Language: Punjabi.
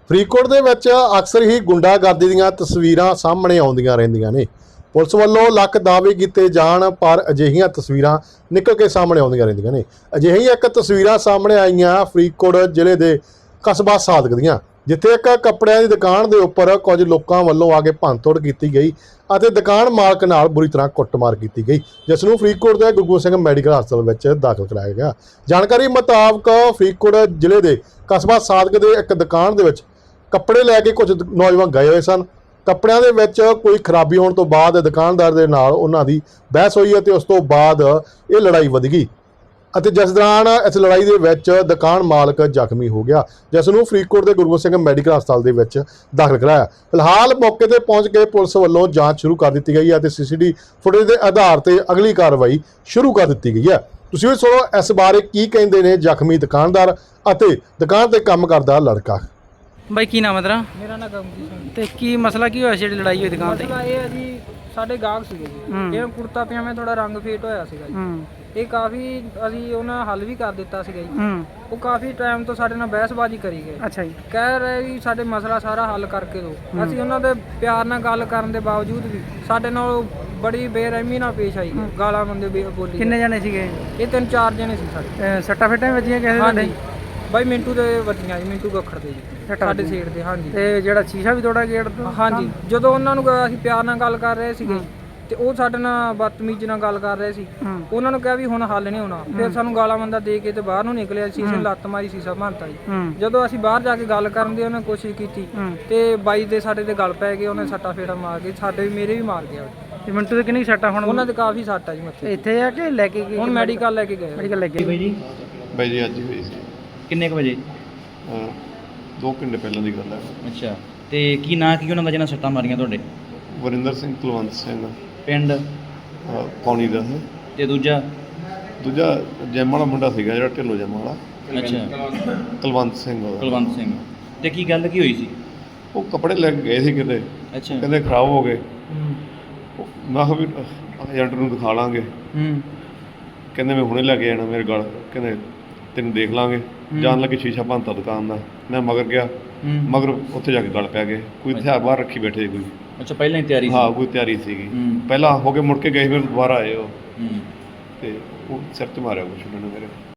ਫਰੀਦਕੋਟ ਦੇ ਵਿੱਚ ਅਕਸਰ ਹੀ ਗੁੰਡਾਗਰਦੀ ਦੀਆਂ ਤਸਵੀਰਾਂ ਸਾਹਮਣੇ ਆਉਂਦੀਆਂ ਰਹਿੰਦੀਆਂ ਨੇ। ਪੁਲਿਸ ਵੱਲੋਂ ਲੱਖ ਦਾਅਵੇ ਕੀਤੇ ਜਾਣ ਪਰ ਅਜਿਹੀਆਂ ਤਸਵੀਰਾਂ ਨਿਕਲ ਕੇ ਸਾਹਮਣੇ ਆਉਂਦੀਆਂ ਰਹਿੰਦੀਆਂ ਨੇ। ਅਜਿਹੀਆਂ ਇੱਕ ਤਸਵੀਰਾਂ ਸਾਹਮਣੇ ਆਈਆਂ ਫਰੀਦਕੋਟ ਜ਼ਿਲ੍ਹੇ ਦੇ ਕਸਬਾ ਸਾਦਕ ਦੀਆਂ, ਜਿੱਥੇ ਇੱਕ ਕੱਪੜਿਆਂ ਦੀ ਦੁਕਾਨ ਦੇ ਉੱਪਰ ਕੁਝ ਲੋਕਾਂ ਵੱਲੋਂ ਆ ਕੇ ਭੰਨਤੋੜ ਕੀਤੀ ਗਈ ਅਤੇ ਦੁਕਾਨ ਮਾਲਕ ਨਾਲ ਬੁਰੀ ਤਰ੍ਹਾਂ ਕੁੱਟਮਾਰ ਕੀਤੀ ਗਈ, ਜਿਸ ਨੂੰ ਫਰੀਦਕੋਟ ਦੇ ਗੁਰੂ ਗੋਬਿੰਦ ਸਿੰਘ ਮੈਡੀਕਲ ਹਸਪਤਾਲ ਵਿੱਚ ਦਾਖਲ ਕਰਾਇਆ ਗਿਆ। ਜਾਣਕਾਰੀ ਮੁਤਾਬਕ ਫਰੀਦਕੋਟ ਜ਼ਿਲ੍ਹੇ ਦੇ ਕਸਬਾ ਸਾਦਕ ਦੇ ਇੱਕ ਦੁਕਾਨ ਦੇ ਵਿੱਚ ਕੱਪੜੇ ਲੈ ਕੇ ਕੁਝ ਨੌਜਵਾਨ ਗਏ ਹੋਏ ਸਨ। ਕੱਪੜਿਆਂ ਦੇ ਵਿੱਚ ਕੋਈ ਖਰਾਬੀ ਹੋਣ ਤੋਂ ਬਾਅਦ ਦੁਕਾਨਦਾਰ ਦੇ ਨਾਲ ਉਹਨਾਂ ਦੀ ਬਹਿਸ ਹੋਈ ਅਤੇ ਉਸ ਤੋਂ ਬਾਅਦ ਇਹ ਲੜਾਈ ਵਧ ਗਈ ਅਤੇ ਜਿਸ ਦੌਰਾਨ ਇਸ ਲੜਾਈ ਦੇ ਵਿੱਚ ਦੁਕਾਨ ਮਾਲਕ ਜ਼ਖਮੀ ਹੋ ਗਿਆ, ਜਿਸ ਨੂੰ ਫਰੀਦਕੋਟ ਦੇ ਗੁਰੂ ਗੋਬਿੰਦ ਸਿੰਘ ਮੈਡੀਕਲ ਹਸਪਤਾਲ ਦੇ ਵਿੱਚ ਦਾਖਲ ਕਰਾਇਆ। ਫਿਲਹਾਲ ਮੌਕੇ ਤੇ ਪਹੁੰਚ ਕੇ ਪੁਲਿਸ ਵੱਲੋਂ ਜਾਂਚ ਸ਼ੁਰੂ ਕਰ ਦਿੱਤੀ ਗਈ ਹੈ ਅਤੇ ਸੀਸੀਟੀਵੀ ਫੁਟੇਜ ਦੇ ਆਧਾਰ ਤੇ ਅਗਲੀ ਕਾਰਵਾਈ ਸ਼ੁਰੂ ਕਰ ਦਿੱਤੀ ਗਈ ਹੈ। ਤੁਸੀਂ ਵੀ ਸੁਣੋ ਇਸ ਬਾਰੇ ਕੀ ਕਹਿੰਦੇ ਨੇ ਜ਼ਖਮੀ ਦੁਕਾਨਦਾਰ ਅਤੇ ਦੁਕਾਨ ਤੇ ਕੰਮ ਕਰਦਾ ਲੜਕਾ। ਬਾਈ ਕੀ ਨਾਮ ਹੈ ਤੇਰਾ? ਮੇਰਾ ਨਾਂ ਗਮਜੀਤ ਸਿੰਘ। ਤੇ ਕੀ ਮਸਲਾ ਕੀ ਹੋਇਆ ਸੀ ਜਿਹੜੀ ਲੜਾਈ ਹੋਈ ਦੁਕਾਨ ਤੇ? ਮਸਲਾ ਇਹ ਹੈ ਜੀ, ਸਾਡੇ ਗਾਹਕ ਸੀਗੇ ਜੀ, ਇਹ ਕੁੜਤਾ ਪਜਾਮੇ ਥੋੜਾ ਰੰਗ ਫੇਟ ਹੋਇਆ ਸੀਗਾ ਜੀ। ਇਹ ਕਾਫੀ ਅਸੀਂ ਉਹਨਾਂ ਹੱਲ ਵੀ ਕਰ ਦਿੱਤਾ ਸੀਗਾ ਜੀ। ਉਹ ਕਾਫੀ ਟਾਈਮ ਤੋਂ ਸਾਡੇ ਨਾਲ ਬਹਿਸਬਾਜ਼ੀ ਕਰੀ ਗਏ। ਅੱਛਾ ਜੀ। ਕਹਿ ਰਹੇ ਵੀ ਸਾਡੇ ਮਸਲਾ ਸਾਰਾ ਹੱਲ ਕਰਕੇ ਦਿਓ। ਅਸੀਂ ਉਹਨਾਂ ਦੇ ਪਿਆਰ ਨਾਲ ਗੱਲ ਕਰਨ ਦੇ ਬਾਵਜੂਦ ਵੀ ਸਾਡੇ ਨਾਲ ਬੜੀ ਬੇਰਹਿਮੀ ਨਾਲ ਪੇਸ਼ ਆਈ, ਗਾਲਾਂ ਬੰਦੇ ਬੋਲੀ। ਕਿੰਨੇ ਜਣੇ ਸੀਗੇ? ਇਹ 3-4 ਜਣੇ ਸੀ ਸਾਡੇ। ਸੱਟਾਂ ਫੇਟਾਂ ਵੀ ਵੱਜੀਆਂ ਕਿਸੇ ਹਾਂਜੀ ਬਾਈ ਮਿੰਟੂ ਦੇ ਵੱਜੀਆਂ ਜੀ, ਮਿੰਟੂ ਗੱਖੜ ਦੇ ਜੀ, ਸਾਡੇ ਸੀਟ ਦੇ। ਹਾਂਜੀ। ਤੇ ਜਿਹੜਾ ਸ਼ੀਸ਼ਾ ਵੀ ਤੋੜਾ ਗੇਟ ਤੋਂ? ਹਾਂਜੀ। ਜਦੋਂ ਉਹਨਾਂ ਨੂੰ ਅਸੀਂ ਪਿਆਰ ਨਾਲ ਗੱਲ ਕਰ ਰਹੇ ਸੀਗੇ ਤੇ ਉਹ ਸਾਡੇ ਨਾਲ ਬਦਤਮੀਜ਼ ਨਾਲ ਗੱਲ ਕਰ ਰਹੇ ਸੀ। ਉਹਨਾਂ ਨੂੰ ਕਿਹਾ ਵੀ ਹੁਣ ਹੱਲ ਨਹੀਂ ਹੋਣਾ। ਫਿਰ ਸਾਨੂੰ ਗਾਲਾਂ ਮੰਦਾ ਦੇ ਕੇ ਤੇ ਬਾਹਰ ਨੂੰ ਨਿਕਲਿਆ। ਸ਼ੀਸ਼ੇ ਨੂੰ ਲੱਤ ਮਾਰੀ, ਸ਼ੀਸ਼ਾ ਭੰਨਤਾ ਜੀ। ਜਦੋਂ ਅਸੀਂ ਬਾਹਰ ਜਾ ਕੇ ਗੱਲ ਕਰਨ ਦੀ ਉਹਨੇ ਕੋਸ਼ਿਸ਼ ਕੀਤੀ ਤੇ ਬਾਈ ਦੇ ਸਾਡੇ ਦੇ ਗੱਲ ਪੈ ਗਏ। ਉਹਨੇ ਸੱਟਾ ਫੇੜਾ ਮਾਰ ਕੇ ਸਾਡੇ ਵੀ ਮੇਰੇ ਵੀ ਮਾਰ ਗਿਆ। ਤੇ ਮਿੰਟੂ ਦੇ ਕਿੰਨੀ ਸੱਟਾਂ ਹੁਣ? ਉਹਨਾਂ ਦੇ ਕਾਫੀ ਸੱਟ ਆ ਜੀ ਮੱਥੇ। ਇੱਥੇ ਆ ਕੇ ਲੈ ਕੇ ਗਏ? ਹੁਣ ਮੈਡੀਕਲ ਲੈ ਕੇ ਗਏ। ਮੈਡੀਕਲ ਲੈ ਕੇ ਬਾਈ ਜੀ? ਬਾਈ ਜੀ ਅੱਜ ਹੀ ਹੋਈ ਸੀ। ਕਿੰਨੇ ਕੁ ਵਜੇ? 2 ਘੰਟੇ ਪਹਿਲਾਂ ਦੀ ਗੱਲ ਹੈ। ਅੱਛਾ। ਤੇ ਕੀ ਨਾਂ ਕੀ ਉਹਨਾਂ ਦਾ ਜਿਹਨਾਂ ਸੱਟਾਂ ਮਾਰੀਆਂ ਤੁਹਾਡੇ? ਵਰਿੰਦਰ ਸਿੰਘ, ਕੁਲਵੰਤ ਸਿੰਘ, ਪਿੰਡ ਪੌਣੀ ਦਾ ਹੈ। ਤੇ ਦੂਜਾ ਜੈਮ ਵਾਲਾ ਮੁੰਡਾ ਸੀਗਾ ਜਿਹੜਾ ਢਿੱਲੋਂ ਜੈਮ ਵਾਲਾ। ਅੱਛਾ। ਕੁਲਵੰਤ ਸਿੰਘ ਉਹਦਾ। ਕੁਲਵੰਤ ਸਿੰਘ। ਤੇ ਕੀ ਗੱਲ ਕੀ ਹੋਈ ਸੀ? ਉਹ ਕੱਪੜੇ ਲੈ ਕੇ ਗਏ ਸੀ ਕਿਤੇ, ਅੱਛਾ। ਕਹਿੰਦੇ ਖਰਾਬ ਹੋ ਗਏ। ਮੈਂ ਕਿਹਾ ਵੀ ਏਜੰਟ ਨੂੰ ਦਿਖਾ ਲਾਂਗੇ। ਕਹਿੰਦੇ ਮੈਂ ਹੁਣੇ ਲੈ ਕੇ ਜਾਣਾ ਮੇਰੇ ਗਲ। ਕਹਿੰਦੇ ਤੈਨੂੰ ਦੇਖ ਲਾਂਗੇ। ਜਾਣ ਲੱਗੇ ਸ਼ੀਸ਼ਾ ਭੰਨਤਾ ਦੁਕਾਨ ਦਾ। ਮੈਂ ਮਗਰ ਗਿਆ, ਮਗਰ ਉੱਥੇ ਜਾ ਕੇ ਗਲ ਪੈ ਗਏ। ਕੋਈ ਹਥਿਆਰ ਬਾਹਰ ਰੱਖੀ ਬੈਠੇ ਕੋਈ। ਅੱਛਾ, ਪਹਿਲਾਂ ਹੀ ਤਿਆਰੀ ਸੀ? ਹਾਂ, ਕੋਈ ਤਿਆਰੀ ਸੀਗੀ। ਪਹਿਲਾਂ ਹੋ ਕੇ ਮੁੜ ਕੇ ਗਏ, ਫਿਰ ਦੁਬਾਰਾ ਆਏ ਉਹ ਤੇ ਉਹ ਸਿਰ 'ਚ ਮਾਰਿਆ ਕੁਛ ਉਹਨਾਂ ਨੇ ਮੇਰੇ।